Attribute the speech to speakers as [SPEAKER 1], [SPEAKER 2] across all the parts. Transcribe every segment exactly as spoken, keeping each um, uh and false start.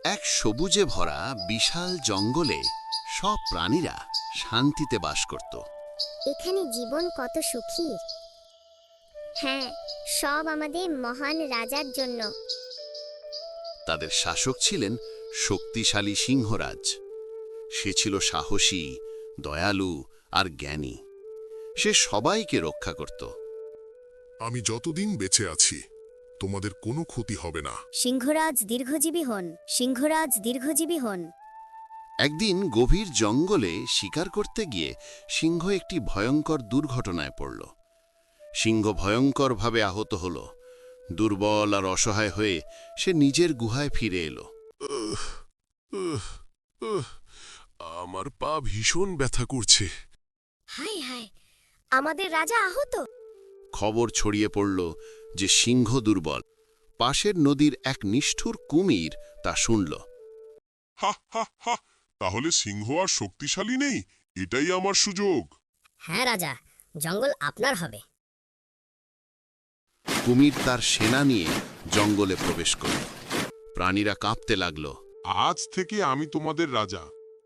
[SPEAKER 1] এক সবুজে ভরা বিশাল জঙ্গলে সব প্রাণীরা শান্তিতে বাস করত।
[SPEAKER 2] এখানে জীবন কত সুখী। হ্যাঁ, সব আমাদের মহান রাজার জন্য।
[SPEAKER 1] তাদের শাসক ছিলেন শক্তিশালী সিংহরাজ। সে ছিল সাহসী, দয়ালু আর জ্ঞানী। সে সবাইকে রক্ষা করত।
[SPEAKER 3] আমি যতদিন বেঁচে আছি তোমাদের কোনো ক্ষতি হবে না।
[SPEAKER 2] সিংহরাজ দীর্ঘজীবী হন, সিংহরাজ দীর্ঘজীবী হন।
[SPEAKER 1] একদিন গভীর জঙ্গলে শিকার করতে গিয়ে সিংহ একটি ভয়ঙ্কর দুর্ঘটনায় পড়ল। সিংহ ভয়ঙ্করভাবে আহত হল। দুর্বল আর অসহায় হয়ে সে নিজের গুহায় ফিরে এলো।
[SPEAKER 3] উহ, উহ, উহ, আমার পা ভীষণ ব্যথা করছে।
[SPEAKER 2] হায় হায়, আমাদের রাজা আহত।
[SPEAKER 1] খবর ছড়িয়ে পড়ল যে সিংহ দুর্বল। পাশের নদীর এক নিষ্ঠুর কুমির তা শুনল।
[SPEAKER 3] হা হা হা, তাহলে সিংহ আর শক্তিশালী নেই, এটাই আমার সুযোগ।
[SPEAKER 2] হ্যাঁ রাজা, জঙ্গল আপনার হবে।
[SPEAKER 1] কুমির তার সেনা নিয়ে জঙ্গলে প্রবেশ করল। প্রাণীরা কাঁপতে লাগল।
[SPEAKER 3] আজ থেকে আমি তোমাদের রাজা।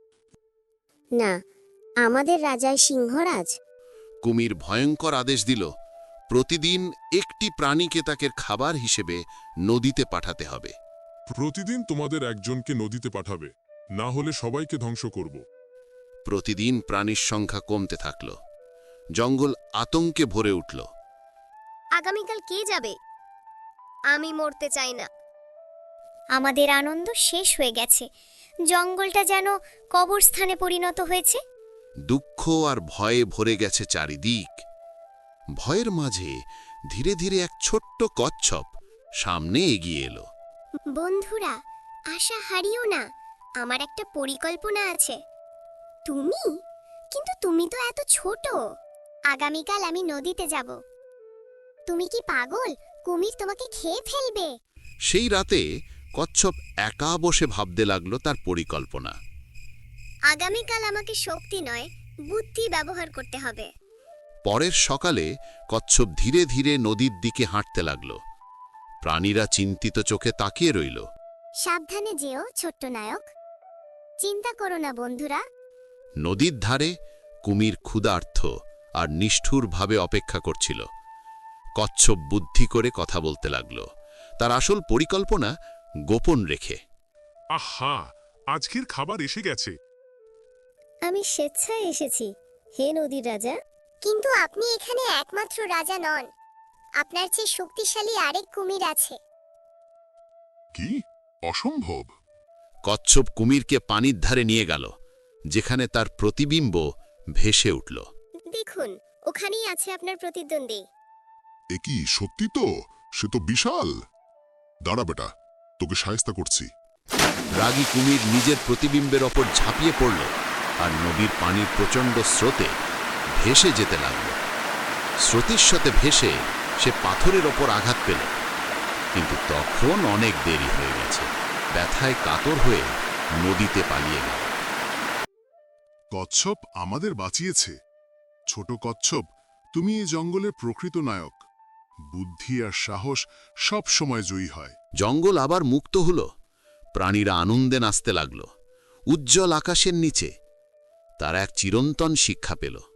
[SPEAKER 2] না, আমাদের রাজাই সিংহরাজ।
[SPEAKER 1] কুমির ভয়ঙ্কর আদেশ দিল, প্রতিদিন একটি প্রাণীকে তাকে খাবার হিসেবে নদীতে পাঠাতে হবে।
[SPEAKER 3] প্রতিদিন তোমাদের একজনকে নদীতে পাঠাবে, না হলে সবাইকে ধ্বংস করব।
[SPEAKER 1] প্রতিদিন প্রাণীর সংখ্যা কমতে থাকল। জঙ্গল আতঙ্কে ভরে উঠল।
[SPEAKER 2] আগামীকাল কে যাবে? আমি মরতে চাই না। আমাদের আনন্দ শেষ হয়ে গেছে। জঙ্গলটা যেন কবরস্থানে পরিণত হয়েছে।
[SPEAKER 1] দুঃখ আর ভয়ে ভরে গেছে চারিদিক। ভয়ের মাঝে ধীরে ধীরে এক ছোট্ট কচ্ছপ সামনে এগিয়ে এলো।
[SPEAKER 2] বন্ধুরা, আশা হারিও না, আমার একটা পরিকল্পনা আছে। তুমি? কিন্তু তুমি তো এত ছোট। আগামীকাল আমি নদীতে যাব। তুমি কি পাগল? কুমির তোমাকে খেয়ে ফেলবে।
[SPEAKER 1] সেই রাতে কচ্ছপ একা বসে ভাবতে লাগলো তার পরিকল্পনা।
[SPEAKER 2] আগামীকাল আমাকে শক্তি নয়, বুদ্ধি ব্যবহার করতে হবে।
[SPEAKER 1] পরের সকালে কচ্ছপ ধীরে ধীরে নদীর দিকে হাঁটতে লাগল। প্রাণীরা চিন্তিত চোখে তাকিয়ে রইল।
[SPEAKER 2] সাবধানে যেও ছোট্ট নায়ক। চিন্তা করো না বন্ধুরা।
[SPEAKER 1] নদীর ধারে কুমির ক্ষুধার্ত আর নিষ্ঠুরভাবে অপেক্ষা করছিল। কচ্ছপ বুদ্ধি করে কথা বলতে লাগল, তার আসল পরিকল্পনা গোপন রেখে।
[SPEAKER 3] আহা, আজকের খাবার এসে গেছে।
[SPEAKER 2] আমি স্বেচ্ছায় এসেছি, হে নদীর রাজা। কিন্তু আপনি এখানে একমাত্র রাজা নন। আপনার চেয়ে শক্তিশালী আরেক কুমির আছে।
[SPEAKER 3] কি? অসম্ভব।
[SPEAKER 1] কচ্ছপ কুমিরকে পানির ধারে নিয়ে গেল, যেখানে তার প্রতিবিম্ব ভেসে উঠল।
[SPEAKER 2] দেখুন, ওখানেই আছে আপনার প্রতিদ্বন্দ্বী।
[SPEAKER 3] এ কি সত্যি? তো সে তো বিশাল। দাঁড়া বেটা, তোকে শায়েস্তা করছি।
[SPEAKER 1] রাগী কুমির নিজের প্রতিবিম্বের ওপর ঝাঁপিয়ে পড়ল আর নদীর পানির প্রচণ্ড স্রোতে ভেসে যেতে লাগল। স্রোতের সাথে ভেসে সে পাথরের ওপর আঘাত পেল, কিন্তু তখন অনেক দেরি হয়ে গেছে। ব্যথায় কাতর হয়ে নদীতে পালিয়ে গেল।
[SPEAKER 3] কচ্ছপ আমাদের বাঁচিয়েছে। ছোট কচ্ছপ, তুমি এই জঙ্গলের প্রকৃত নায়ক। বুদ্ধি আর সাহস সব সময় জয়ী হয়।
[SPEAKER 1] জঙ্গল আবার মুক্ত হল। প্রাণীরা আনন্দে নাচতে লাগল। উজ্জ্বল আকাশের নিচে তারা এক চিরন্তন শিক্ষা পেল।